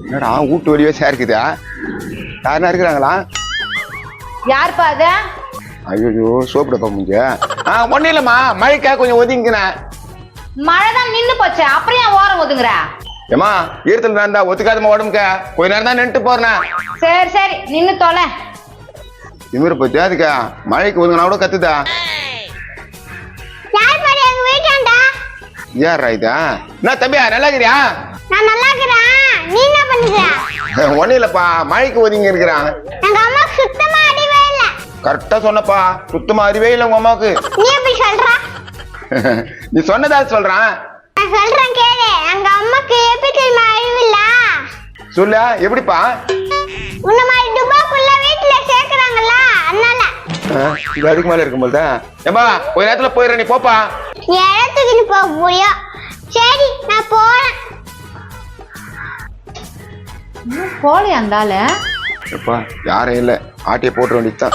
என்னடா வீட்டு வழியே சேர்க்குதா? யாருன்னா இருக்கிறாங்களா? யாருப்பா அது? ஐயோ சோப்பு டப்பா முடிஞ்ச. ஒன்னும் இல்லம்மா, மழைக்கா கொஞ்சம் ஒதுங்கினேன். மழைதான் நின்னு போச்சு, அப்புறம் ஏன் ஓரம் ஒதுங்குற? ஏமா ஈரத்துல இருந்தா ஒத்துக்காதமா உடம்புக்க, கொஞ்ச நேரம் தான் நின்றுட்டு போறேன். சரி சரி நின்னு தொலை. திமிர பத்தியா அதுக்கா? மழைக்கு ஒதுங்கினா கூட கத்துதா? யாரா இதா? என்ன தம்பியா, நல்லா இருக்கிறியா? நான் நல்லா இருக்கிறேன். நீ என்ன பண்ற? ஒன்னும் இல்லப்பா, மழைக்கு ஒதுங்கி இருக்கிறான். எங்க அம்மா சுத்தமா அறிவே இல்ல. கரெக்டா சொன்னப்பா, சுத்தமா அறிவே இல்லை உங்க அம்மாவுக்கு. நீ எப்படி சொல்ற? நீ சொன்னதா சொல்றான். நான் சொல்றேன் கேளு. எங்க அம்மாக்கு எப்படி தெரியுமா அறிவு இல்ல? சொல்ல எப்படிப்பா? உன்ன மாதிரி துபாக்குள்ள வீட்டுல சேர்க்கறாங்கல்ல, அதனால. இது அதுக்கு மேல இருக்கும்போது ஏமா ஒரு நேரத்துல போயிடுற, நீ போப்பா. நீ இடத்துக்கு போக முடியும். சரி நான் போறேன். போலே அந்தால எப்பா யாரும் இல்ல, ஆட்டிய போட்டு வேண்டியதுதான்.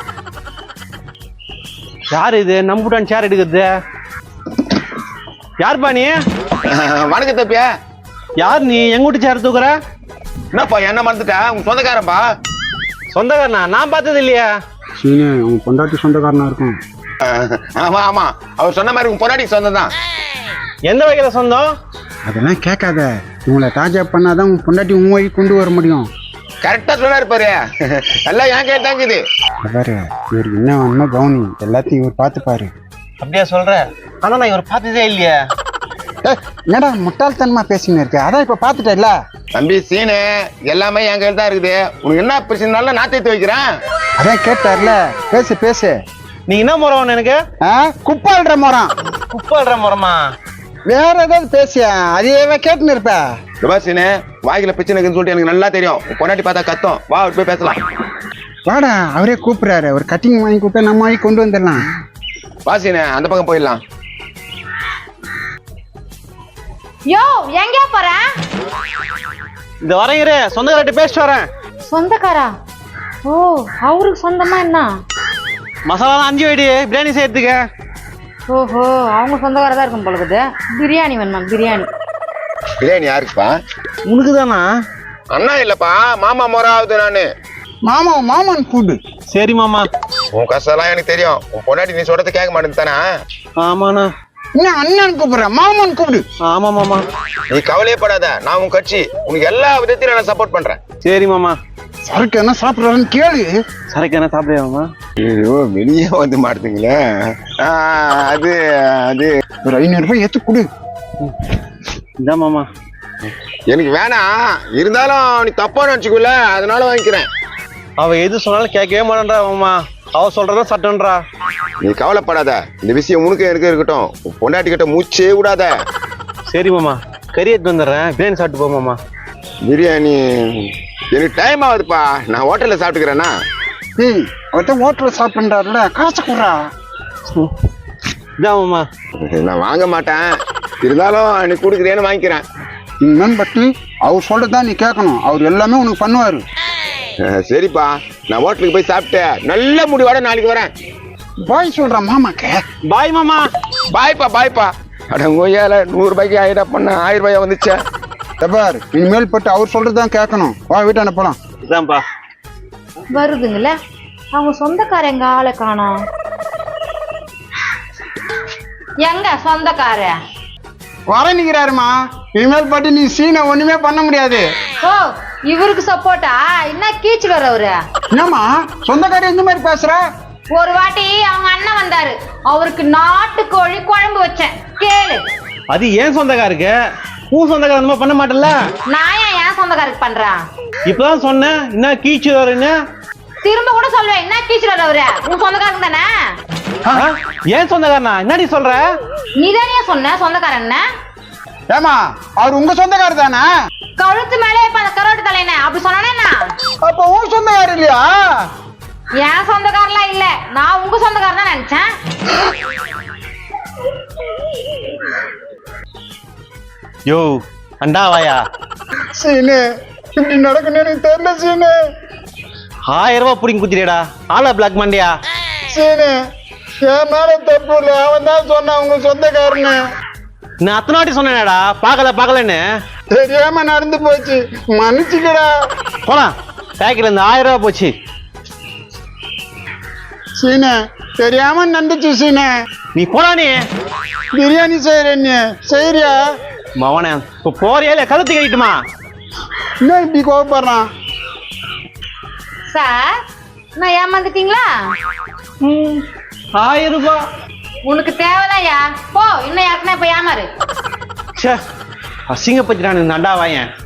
யாரு இது நம்புட்டான் சேர் எடுக்கிறது? யாருப்பா நீ? வணக்கம் தப்பியா. யார் நீ? எங்க வீட்டு சேர் தூக்குற? என்னப்பா என்ன மறந்துட்டா? உங்க சொந்தக்காரன்பா. சொந்தக்காரனா? நான் பார்த்தது இல்லையா? சீனு உங்க பொண்டாட்டி சொந்தக்காரனா இருக்கும். ஆமா ஆமா, அவர் சொன்ன மாதிரி உங்க பொண்டாட்டி சொந்தம் தான். எந்த வகையில சொந்தம்? அதெல்லாம் கேட்காத. இவங்களை டாஜா பண்ணாதான் உங்க பொண்டாட்டி உன் வழி கொண்டு வர முடியும். கரெக்டா சொன்னாரு பாரு. எல்லாம் ஏன் கேட்டாங்க இது. பாரு இவருக்கு என்ன வேணுமோ கவுனி, எல்லாத்தையும் இவர் பார்த்துப்பாரு. அப்படியா சொல்ற? ஆனா நான் இவர் பார்த்ததே இல்லையா. என்னடா முட்டாள்தனமா பேசின்னு இருக்க? அதான் இப்ப பாத்துட்டல. தம்பி சீனு, எல்லாமே என் கையில் தான் இருக்குது. உனக்கு என்ன பிரச்சனைனால நான் தேர்த்து வைக்கிறேன். அதான் கேட்டார்ல, பேசு பேசு. நீ என்ன முறம் எனக்கு? குப்பாள்ற முறம். குப்பாடுற முறமா? வேற ஏதாவது பேசியா? அதையவே கேட்டுன்னு இருப்ப. சீனு, வாய்க்குல பிரச்சனை இருக்குன்னு சொல்லிட்டு எனக்கு நல்லா தெரியும். பொண்டாட்டி பார்த்தா கத்தம். வா போய் பேசலாம். வாடா, அவரே கூப்பிடுறாரு. ஒரு கட்டிங் வாங்கி கூப்பிட்டு நம்ம வாங்கி கொண்டு வந்துடலாம். வா சீனு, அந்த பக்கம் போயிடலாம். யோ எங்க போற? இந்த வரேங்கிற சொந்தக்காரர்கிட்ட பேசிட்டு வரேன். சொந்தக்காரா? ஓ அவருக்கு சொந்தமா என்ன? மசாலா 5 வைடி பிரியாணி செய்யறதுக்கு. ஓஹோ அவங்க சொந்தக்காரா தான் இருக்கும் போலக்குது. பிரியாணி வேணுமா? பிரியாணி. பிரியாணி யாருக்குப்பா? உனக்கு தானா? அண்ணா இல்லப்பா, மாமா மொறாவது நானு. மாமன் கூடு. சரி மாமா. உன் கஷ்டம் எனக்கு தெரியும். உன் பொண்டாட்டி நீ சொல்றது கேட்க மாட்டேன்னு தானே? ஆமாண்ணா. என்ன அண்ணன் கூப்பிடுறேன்? மாமன் கூப்பிடு. ஆமா மாமா. நீ கவலையே படாத, நான் உன் கட்சி. உனக்கு எல்லா விதத்திலும் நான் சப்போர்ட் பண்றேன். சரி மாமா. சரக்கு என்ன சாப்பிடுறாருன்னு கேளு. சரக்கு என்ன சாப்பிடுறியா மாமா? ஐயோ வெளியே வந்து மாட்டுங்களே. அது அது ஒரு 500 ரூபாய் ஏத்து கொடு. இந்த மாமா எனக்கு வேணாம், இருந்தாலும் நீ தப்பா நினைச்சுக்கல, அதனால வாங்கிக்கிறேன். அவ எது சொன்னாலும் கேட்கவே மாட்டேன்றா மாமா. அவ சொல்றதா சட்டன்றா. நீ கவலைப்படாத, இந்த விஷயம் உனக்கு எனக்கு இருக்கட்டும். உன் பொண்டாட்டி கிட்ட மூச்சே விடாத. சரி மாமா, கறி எடுத்து வந்துடுறேன். பிரியாணி சாப்பிட்டு போ மாமா. பிரியாணி எனக்கு டைம் ஆகுதுப்பா, நான் ஹோட்டல்ல சாப்பிட்டுக்கிறேன்னா. அவர்கிட்ட ஹோட்டல்ல சாப்பிடுறாருல, காசு கொடுறா. இதான் மாமா. நான் வாங்க மாட்டேன், இருந்தாலும் நீ கொடுக்குறேன்னு வாங்கிக்கிறேன். இன்னும் பட்டி அவர் சொல்றதான் நீ கேட்கணும். அவர் எல்லாமே உனக்கு பண்ணுவாரு. சரிப்பா, நான் ஹோட்டலுக்கு போய் சாப்பிட்டு நல்ல முடிவோட நாளைக்கு வரேன். பாய் சொல்ற மாமாக்கு. பாய் மாமா. பாய்ப்பா பாய்ப்பா. அட கோயால 100 ரூபாய்க்கு ஆயிடா பண்ண 1000 ரூபாயா வந்துச்சா? தபார் இனிமேல் பட்டு அவர் சொல்றதுதான் கேட்கணும். வா வீட்டான போலாம். இதான்ப்பா வருதுங்கள. அவங்க சொந்தக்கார எங்க ஆளை காணோம். எங்க சொந்தக்கார? வர நிக்கிறாருமா. இனிமேல் பட்டு நீ சீனை ஒண்ணுமே பண்ண முடியாது. ஓ இவருக்கு சப்போர்ட்டா? என்ன கீச்சு வரவரு? என்னம்மா சொந்தக்காரி இந்த மாதிரி பேசுற? ஒரு வாட்டி அவங்க அண்ணன் வந்தாரு, அவருக்கு நாட்டுக்கோழி குழம்பு வச்சேன், கேளு. அது ஏன் சொந்தக்காருக்கு? உன் சொந்தக்கார அந்த மாதிரி பண்ண மாட்டல. நான் ஏன் சொந்தக்காரருக்கு பண்றேன்? இப்பதான் சொன்னேன், என்ன கீச்சு வரேன்னு. திரும்ப கூட சொல்லுவேன், என்ன கீச்சு வரவரு? உன் சொந்தக்காரங்க தானே? ஏன் சொந்தக்காரனா? என்னடி சொல்ற? நீதானே சொன்ன சொந்தக்காரன். ஏமா அவர் உங்க சொந்தக்காரி தானே? கழுத்து மேலே இப்ப அந்த கரோட்டு தலைன அப்படி சொன்னா? அப்ப உன் சொந்தக்காரி இல்லையா? என் சொந்தக்காரலாம் இல்ல, நான் உங்க சொந்தக்காரன் தான் நினைச்சேன். யோ அண்டாவாயா. சீனு இப்படி நடக்கணும் எனக்கு தெரியல சீனு. 1000 ரூபாய் புடிங்க குத்திரியாடா. ஆளா பிளாக் மண்டியா. சீனு என் மேல தப்பு இல்ல, அவன் தான் சொன்னான் உங்க சொந்தக்காரன்னு. நான் அத்தனை வாட்டி சொன்னேனடா பாக்கலன்னு. தெரியாம நடந்து போச்சு, மன்னிச்சுக்கடா. போலாம், பேக்கெட்ல இருந்து 1000 ரூபா போச்சு. சீனே, தெரியாம நடந்துச்சு சீனே. நீ போடா நீ. பிரியாணி செய்யறேன் நீ செய்யறியா? மவனே, இப்போ போறியா இல்ல கழுத்து கட்டிட்டுமா? இன்னும் இப்படி கோவப்படுறான். சார், நான் ஏமாந்துட்டீங்களா? 1000 ரூபாய். உனக்கு தேவையில்லையா? போ, இன்னும் யாருக்குன்னா இப்ப ஏமாறு. ச்சே, அசிங்கப்பட்டு நான் நண்டா வாயன்.